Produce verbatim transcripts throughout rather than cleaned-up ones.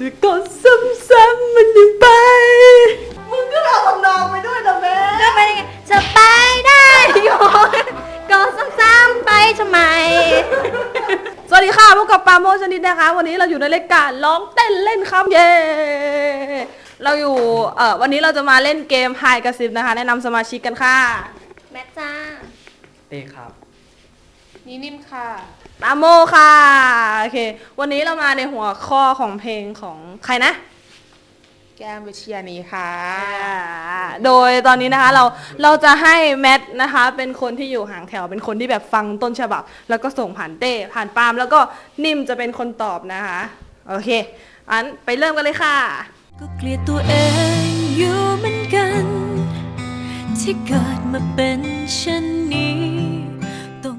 จะกดซ้ำๆมันยังไปมึงก็เอาทำนองไปด้วยนะแม่ก็ไปยังไงจะไปได้อยู่ก็ซ้ำๆไปทำไมสวัสดีค่ะพบกับปาโมชนิดนะคะวันนี้เราอยู่ในรายการร้องเต้นเล่นครับเย้เราอยู่เอ่อวันนี้เราจะมาเล่นเกมไฮกระซิบนะคะแนะนำสมาชิกกันค่ะแม่จ้าเต้ครับนี่นิ่มค่ะปาโมค่ะโอเควันนี้เรามาในหัวข้อของเพลงของใครนะแก้มวิชยานีค่ะโดยตอนนี้นะคะเราเราจะให้แมทนะคะเป็นคนที่อยู่ห่างแถวเป็นคนที่แบบฟังต้นฉบับแล้วก็ส่งผ่านเต้ผ่านปาล์มแล้วก็นิ่มจะเป็นคนตอบนะคะโอเคอันไปเริ่มกันเลยค่ะก็เกลียดตัวเองอยู่เหมือนกันที่เกิดมาเป็นเช่นนี้ต้อง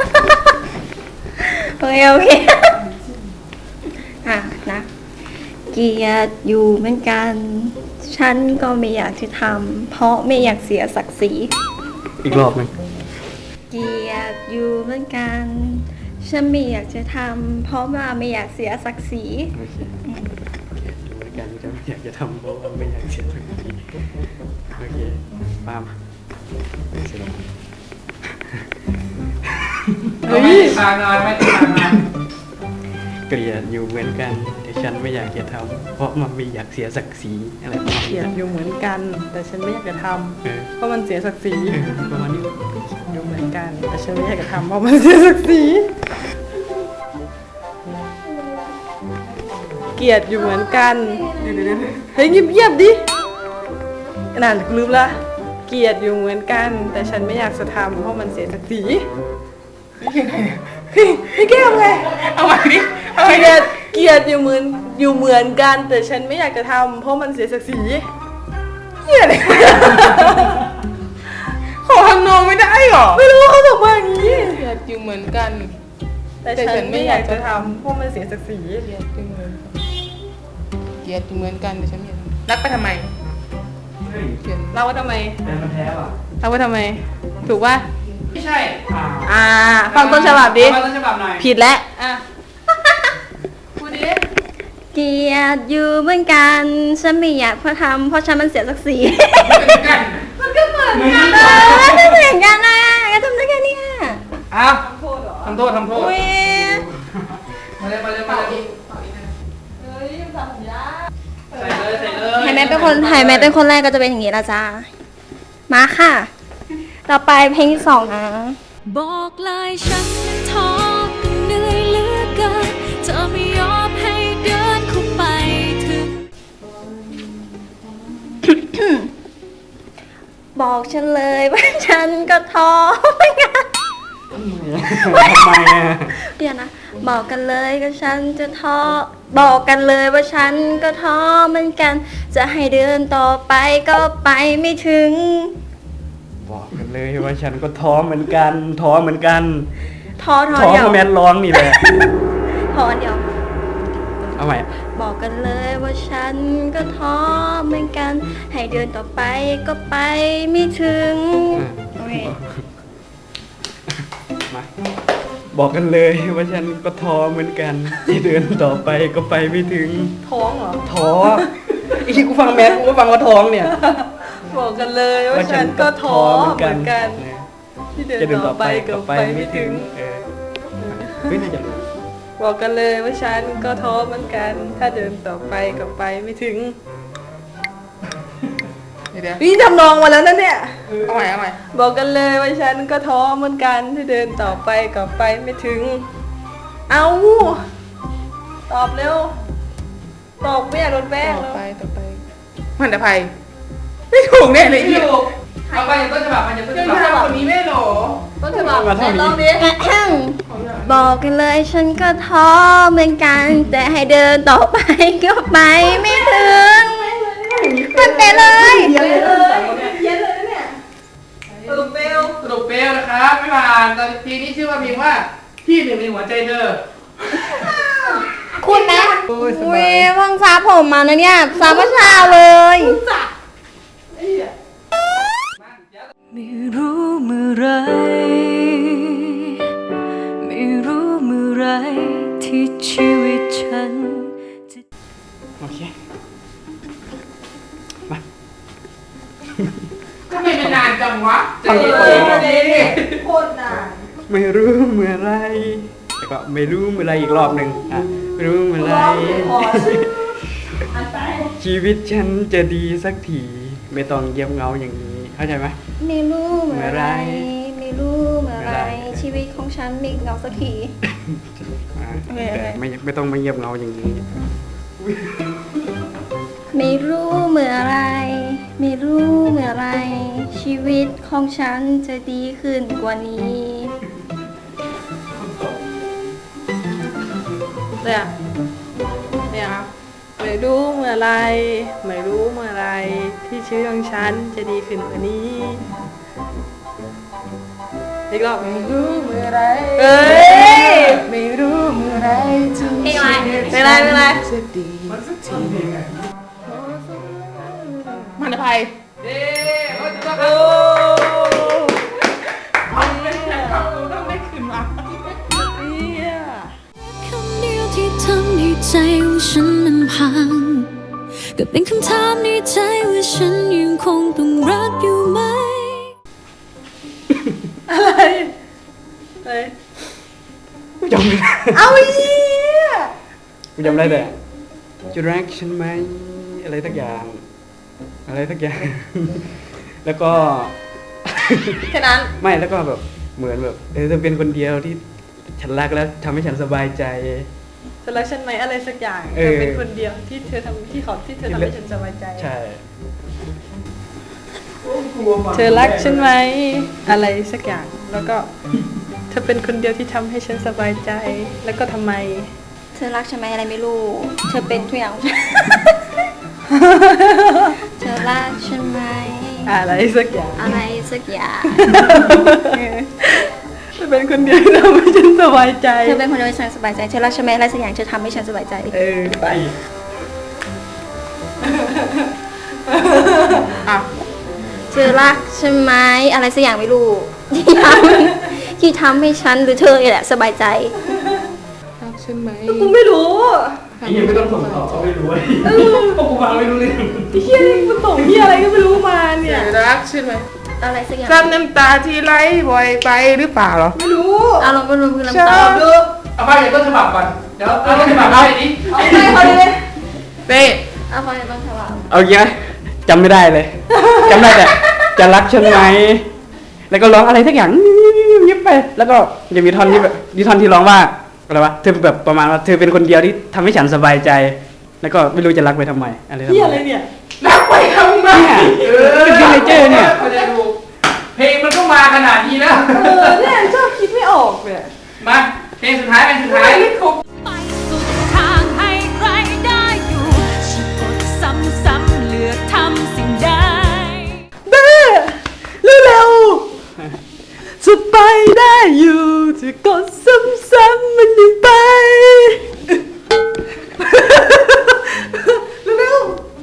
โอเคโอเคอ่ะนะเกลียดอยู่เหมือนกันฉันก็ไม่อยากจะทำเพราะไม่อยากเสียศักดิ์ศรีอีกรอบหนึ่งเกลียดอยู่เหมือนกันฉันไม่อยากจะทำเพราะว่าไม่อยากเสียศักดิ์ศรีโอเคอยู่เหมือนกันจะไม่อยากจะทำเพราะว่าไม่อยากเสียศักดิ์ศรีโอเคปาล์มเสร็จแล้วเฮ้ยตาหน่อยไม่ตาหน่อยเกลียดอยู่เหมือนกันแต่ฉันไม่อยากจะทำเพราะมันไม่อยากเสียศักดิ์ศรีอะไรประมาณเกลีนี้ยดอยู่เหมือนกันแต่ฉันไม่อยากจะทเออำเพราะมันเสียศักดิ์ศรีเออประมาณนี้อยู่เหมือนกันแต่ฉันไม่อยากจะทำเพราะมันเสียศักดิ์ศรีเกลียดอยู่เหมือนกันเฮ้ยเงียบๆดินั่นลืมละเกลียดอยู่เหมือนกันแต่ฉันไม่อยากจะทำเพราะมันเสียศักดิ์ศรีพี่แก้มไงเอาใหม่ดิเอาเกใหม่ลีดิยดเกลียดอยู่เหมือนอยู่เหมือนกันแต่ฉันไม่อยากจะทำเพราะมันเสียศักดิ์ศรีเหี้ยเลยขอทำนองไม่ได้หรอไม่รู้เขาบอกว่าอย่างนี้เกลียดอยู่เหมือนกันแต่ฉันไม่อยากจะทำเพราะมันเสียศักดิ์ศรีเกลียดอยู่เหมือนเกลียดอยู่เหมือนกันแต่ฉันไม่อยากรักไปทำไมเฮ้ยเกลียดเล่าว่าทำไมแต่มันแท้ว่ะเล่าว่าทำไมถูกป่ะไม่ใช่อ่าอ่าฟังต้นฉบับดิฟังต้นฉบับหน่อยผิดแล้วอ่ะพูดดิเกลียดอยู่เหมือนกันฉันไม่อยากเพราะทำเพราะฉันมันเสียศักดิ์ศรีเหมือนกันมันก็เหมือนกันเออไม่เหมือนกันนะก็ทำได้แค่นี้อ่ะอ้าวโทษเหรอทำโทษทำโทษอุ้ยมาเลยมาเลยมาเลยเฮ้ยยังทำยากใส่เลยใส่เลยไฮแม่เป็นคนไฮแม่เป็นคนแรกก็จะเป็นอย่างนี้ละจ้ามาค่ะ ต่อไปเพลงที่สองนะบอกลายฉันนั้นท้อกันเหนื่อยเหลือเกินเธอไม่ยอมให้เดินเข้าไปถึงบอกฉันเลยว่าฉันก็ท้อเหมือนกันทำไมอ่ะเดี๋ยวนะบอกกันเลยก็ฉันจะท้อบอกกันเลยว่าฉันก็ท้อเหมือนกัน จะให้เดินต่อไปก็ไปไม่ถึงบอกกันเลยว่าฉันก็ท้อเหมือนกันท้อเหมือนกันท้อท้อท้อเดียวเพราะแมนร้องนี่แหละท้อเดียวเอาใหม่บอกกันเลยว่าฉันก็ท้อเหมือนกัน ให้เดินต่อไปก็ไปไม่ถึงโอเคมาบอกกันเลยว่าฉันก็ท้อเหมือนกันที่เดินต่อไปก็ไปไม่ถึงท้องเหรอท้อไอ้ที่กูฟังแมสกูก็ฟังว่าท้องเนี่ยบอกกันเลยว่าฉันก็ท้อเหมือนกันเออที่เดินจะเดินต่ต่ออไปไปก็ก็ไปไปไม่ไม่ถึถึงงเออเฮ้ยน่าจะรู้บอกกันเลยว่าฉันก็ท้อเหมือนกัน ถ้าเดินต่อไปก็ไปไม่ถึงเดี๋ยวเดี๋ยวนี่ทำนองมาแล้วนะเนี่ยเอาใหม่เอาใหม่บอกกันเลยว่าฉันก็ท้อเหมือนกันที่เดินต่อไปก็ไปไม่ถึง เอาตอบเร็ว ตอบไม่อยากโดนแป้งต่อแล้วไปต่อไปมันจะไปไม่ถูกแน่เลยไม่ถูกเอาไปอย่างต้นฉบับมันจะต้นฉบับคนนี้ไม่หรอต้นฉบับไหนลองดิบอกกันเลยฉันก็ท้อเหมือนกัน แต่ให้เดินต่อไปก็ไปไม่ถึงมันเตะเลยเย็นเลยเย็นเลยเนี่ยสรุปเบลสรุปเปลนะครับไม่ผ่านตอนทีนี้ชื่อว่าเพลงว่าพี่หนึ่งในหัวใจเธอคุณไหมโอ้ยสอุ้บาย ยเพิ่งซาผมมานะเนี่ยซาเมื่อเช้าเลยไม่รู้เมื่อไรไม่รู้เมื่อไรที่ชีวิตฉันจะโคตรนานไม่รู้เมื่อไรแล้วก็ไม่รู้เมื่อไรอีกรอบหนึ่งอ่ะไม่รู้เมื่อไร ชีวิตฉันจะดีสักทีไม่ต้องเยียบเงาอย่างนี้เข้าใจไหมไม่รู้เมื่อไร ไม่รู้เมื่อเมื่อไรไรชีวิตของฉันมีเงาสักทีอ่ะโอเคโอเคแต่ไม่ไม่ต้องมาเยียบเงาอย่างนี้ไม่รู้เมื่อไร ไม่รู้เมื่อไร ชีวิตของฉันจะดีขึ้นกว่านี้เนี่ยเนี่ยไม่รู้เมื่อไร ไม่รู้เมื่อไร ที่ชีวิตของฉันจะดีขึ้นกว่านี้ อีกรอบไม่รู้เมื่อไรเอ้ยไม่รู้เมื่อไรที่เพลงอะไรไม่ไรไม่ไรจะดีสักทีมันอภัยเด้โอ้ยจะโอ้เอาเป็นแฟนคลับกูต้องได้คืนมาเนี่ยคำเดียวที่ทำให้ใจของฉันมันพัง ก็เป็นคำถามในใจว่าฉันยังคงต้องรักอยู่ไหมอะไรเฮ้ยกูจำไม่ได้เอาเหี้ยกูจำได้แต่จะรักฉันไหมอะไรสักอย่าง อะไรสักอย่าง แล้วก็แค่นั้นไม่แล้วก็แบบเหมือนแบบเออเธอเป็นคนเดียวที่ฉันรักแล้วทำให้ฉันสบายใจจะรักฉันไหมอะไรสักอย่างเอเธออเป็นคนเดียวที่เธอทำที่เขาที่เธอทำให้ฉันสบายใจใช่เธอรักฉันไหมอะไรสักอย่าง แล้วก็เธอเป็นคนเดียวที่ทำให้ฉันสบายใจ แล้วก็ทำไมเธอรักฉันไหมอะไรไม่รู้ เธอเป็นทุกอย่าง เธอรักฉันไหมอะไรสักอย่างอะไรสักอย่างเธอเป็นคนเดียวที่ทำให้ฉันสบายใจเธอเป็นคนเดียวที่ฉันสบายใจ เธอรักฉันไหมอะไรสักอย่างเธอทำให้ฉันสบายใจเออไปอ่ะเธอรักฉันไหมอะไรสักอย่างไม่รู้ ที่ทำที่ทำให้ฉันหรือเธอนี่แหละสบายใจรักฉันไหมกูไม่รู้ไอ้ยังไม่ต้องส่งต่อเขาไม่รู้ไอ้พวกกูฟังไม่รู้เลยไอ้เฮียนี่กูส่งเฮียอะไรก็ไม่รู้มาเธเนี่ยอรักฉันไหมอะไรสักอย่างซ้ำน้ำตาที่ไหลบ่อยไปหรือเปล่าเหรอไม่รู้อารมณ์อารมณ์คือใช่น้ำตาดูเอาไปเดี๋ยวต้นฉบับก่อนเดี๋ยวเอาต้นฉบับไปดิเอาไปเขาเลยเต้เอาฟังในต้นฉบับเอาอย่างเงี้ยจำไม่ได้เลยจำได้แต่จะรักฉันไหมแล้วก็ร้องอะไรสักอย่างยิบไปแล้วก็จะมีท่อนที่แบบมีท่อนที่ร้องว่าอะไรวะเธอแบบประมาณว่าเธอเป็นคนเดียวที่ทำให้ฉันสบายใจ แล้วก็ไม่รู้จะรักไปทำไมอะไรทำเฮียไมอะไรเนี่ยรักไปทำไมเนี่ยเป็นซิกเนเจอร์เนี่ยเขาจะดูเพลงมันก็มาขนาดนี้แล้วเออเนี่ยชอบคิดไม่ออกเนี่ยมาเพลงสุดท้ายเพลงสุดท้ายไม่ครบไปสุดทางให้ใครได้อยู่ฉันกดซ้ำๆเลือกทำสิ่งใดเบ้เร็วๆจะไปได้อยู่จะกดซ้ำๆมันยังไปเร็ว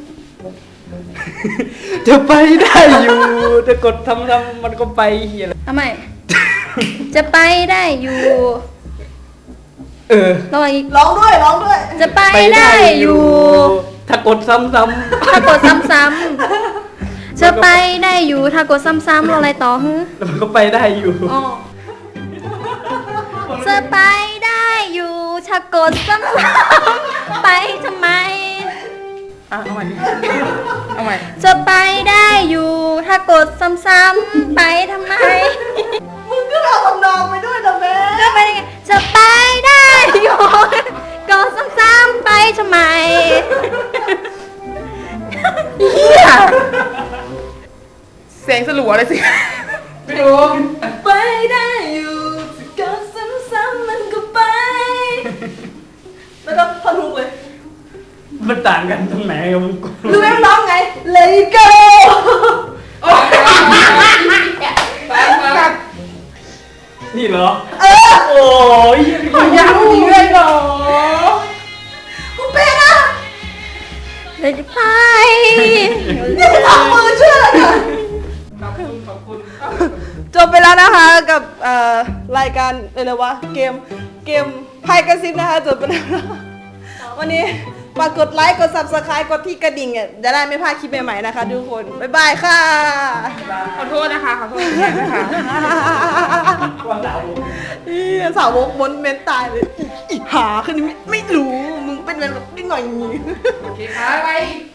จะไปได้อยู่จะกดทำทำมันก็ไปเฮียอะไรทำไม จะไปได้อยู่เออรออีกๆร้องด้วยร้องด้วยจะไปได้อยู่ถ้ากดซ้ำถ้ากดซ้ำๆจะไปได้อยู่ถ้ากดซ้ำๆรออะไรต่อฮึๆแล้วมันก็ไปได้อยู่อ๋อจะไปได้อยู่ถ้ากดซ้ำๆไปทำไมอ่ะเอาใหม่ดิเอาใหม่จะไปได้อยู่ถ้ากดซ้ำๆไปทำไมมึงก็เอาทำนองไปด้วยนะแม่ก็ไปยังไงจะไปได้อยู่กดซ้ำๆไปทำไมเฮียเสียงสลัวเลยสิไม่รู้ไปได้อยู่จะกดซ้ำๆมันก็ไป แล้วก็พอทุกเลยมันต่างกันตรงไหนกับมึงกูรู้ไหมมันร้องไง Let it go ตัดนี่เหรอเออโอ้ยขอยาวจริงเลยเหรอกูเป็นอะเลยจะไปนี่จะทำมือเชื่อเลยนะขอบคุณขอบคุณจบไปแล้วนะคะกับเอ่อรายการอะไรวะเกมเกมไพ่กระซิบนะคะจบไปแล้ววันนี้ฝากกดไลค์กด Subscribe กดที่กระดิ่งอ่ะจะได้ไม่พลาดคลิปใหม่ๆนะคะทุกคนบ๊ายบายค่ะขอโทษนะคะขอโทษแทนนะคะอีสาวกมนเมนตายเลยอีหาคือไม่ไม่รู้มึงเป็นแบบนิดหน่อยโอเคค่ะไป